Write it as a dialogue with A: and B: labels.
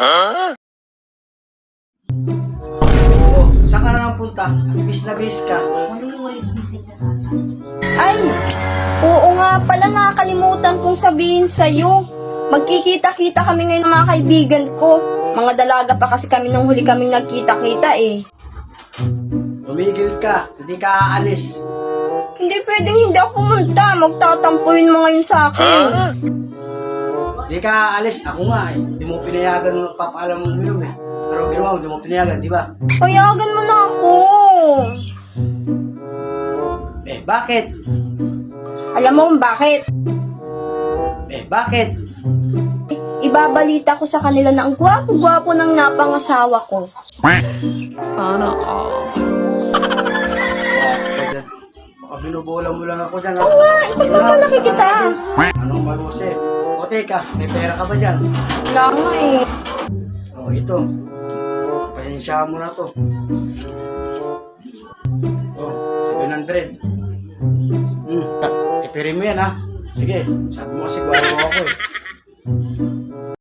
A: Oh, saan ka na nang punta? Bis na bis ka.
B: Ay, oo nga pala, nakakalimutan kong sabihin sa'yo. Magkikita-kita kami ngayon ng mga kaibigan ko. Mga dalaga pa kasi kami nung huli kaming nagkita-kita eh.
A: Tumigil ka, hindi ka aalis.
B: Hindi pwedeng hindi ako pumunta. Magtatampuin mo ngayon sa akin.
A: Hindi ka aalis, ako nga eh. Hindi mo pinayagan nung nagpapaalam mong minum eh. Pero ginawa mo, hindi mo pinayagan, di ba?
B: Payagan mo na ako.
A: Eh, bakit?
B: Alam mo kung bakit?
A: Eh, bakit?
B: Ibabalita ko sa kanila na ang gwapo-gwapo ng napangasawa ko.
C: Sana all.
A: Baka binubola mo lang ako dyan.
B: Oo nga, ipagpapalaki kita.
A: Anong maruse? O teka, may pera ka ba dyan?
B: Wala nga eh.
A: O ito. Pasensya mo na to. O, 700. Tipirin mo yan ha. Sige, sabi mo kasi gwapo ako eh.